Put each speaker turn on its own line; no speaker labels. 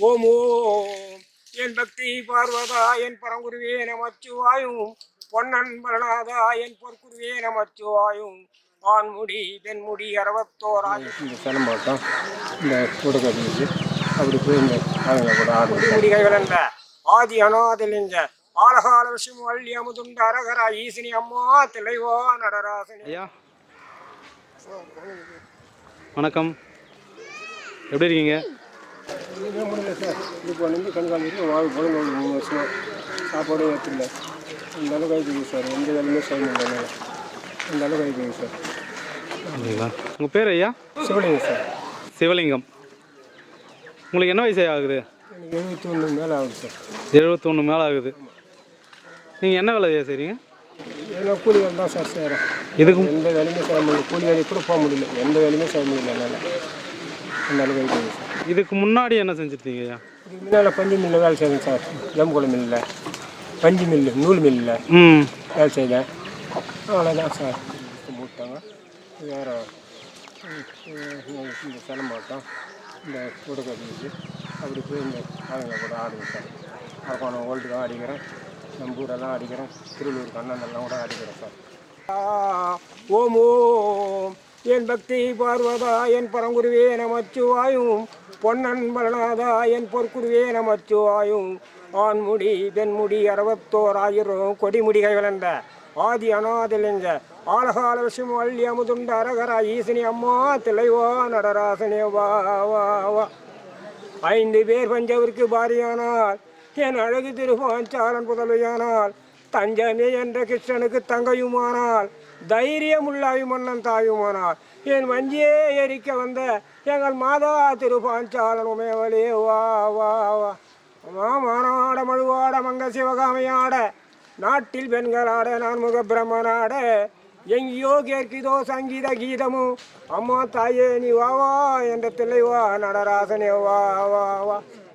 ஓம் ஓம் என் பக்தி பார்வதா என் பரங்குருவே நமச்சிவாயும் பொன்னன் பலநாதா என் பொற்குருவே நமச்சிவாயும் ஆண்முடி பெண்முடி 61 இந்த சிலம்பாட்டம் இந்த கூடக்கட்டிச்சு அப்படி போய் இந்த ஆளுங்க கூட முடிகை விளந்த ஆதி அநாதிலிங்க ஆலகால விஷயம் வள்ளி அமுதுண்ட அரகரா ஈசினி அம்மா திளைவா நடராசனி.
ஐயா வணக்கம், எப்படி இருக்கீங்க?
இதுவே முடியல சார். இது வந்து கண்காணிக்கு வாழ் 3 வருஷம் சாப்பாடும் ஏற்றில்லை. அந்த அளவுக்கு ஆகிடுங்க சார். எந்த வேலையுமே செய்ய முடியல. அந்த அளவுக்கு ஆகிடுங்க சார்.
அப்படிங்களா? உங்கள் பேர் ஐயா?
சிவலிங்கம் சார்.
சிவலிங்கம். உங்களுக்கு என்ன வயசு ஆகுது?
எனக்கு 71 மேலே ஆகுது சார்.
71 மேலே ஆகுது. நீங்கள் என்ன வேலை செய்கிறீங்க?
ஏன்னா கூலி வேலை தான் சார் செய்கிறேன்.
இதுக்கும்
எந்த வேலையுமே செய்ய முடியல. கூலி வேலைக்கு கூட போக முடியல. எந்த வேலையுமே செய்ய முடியல என்னால். அந்த அளவுக்கு ஆகிடுங்க சார்.
இதுக்கு முன்னாடி என்ன செஞ்சுருந்தீங்க ஐயா?
இதுக்கு முன்னால் பஞ்சு மில்லில் வேலை செய்தேன் சார். ஜம்புகுள மில்லில், பஞ்சு மில்லு, நூல் மில்லில் வேலை செய்தேன். அவ்வளோதான் சார். போட்டாங்க வேறு இந்த சிலம்பாட்டம் இந்த கூடக்கட்டிச்சு அப்படி போய் இந்த ஆளுங்க கூட ஆடுங்க சார். அரப்பானம் ஓல்டு தான் அடிக்கிறேன், நம்பூரெல்லாம் அடிக்கிறேன், திருவள்ளூர் கண்ணனெல்லாம் கூட அடிக்கிறேன் சார். ஓம் ஓம் என் பக்தி பார்வதா என் பரங்குருவே நமச்சிவாயும் பொன்னன் பலநாதா என் பொற்குருவே நமச்சிவாயும் ஆண்முடி பெண்முடி 61 கொடிமுடிகை விளந்த ஆதி அநாதிலிங்க ஆலகால விஷயம் வள்ளி அமுதுண்ட அரகரா ஈசினி அம்மா திளைவா நடராசனே வா வா வா. 5 பேர் பஞ்சவருக்கு பாரியானால் என் அழகு திருப்பாஞ்சாலன் புதல்வியானால் தஞ்சமே என்ற கிருஷ்ணனுக்கு தங்கையுமானால் தைரியமுள்ளாய் மன்னன் தாயுமானால் என் வஞ்சியே எரிக்க வந்த எங்கள் மாதா திருப்பாஞ்சாலன் உமையவளே வா வா வா. மானாட மழுவாட மங்க சிவகாமையாட நாட்டில் பெண்களாட நான் முக பிரம்மனாட எங்கேயோ கேட்குதோ சங்கீத கீதமும் அம்மா தாயே நீ வா வா என்ற தில்லை வா நடராசனே வா வா வா.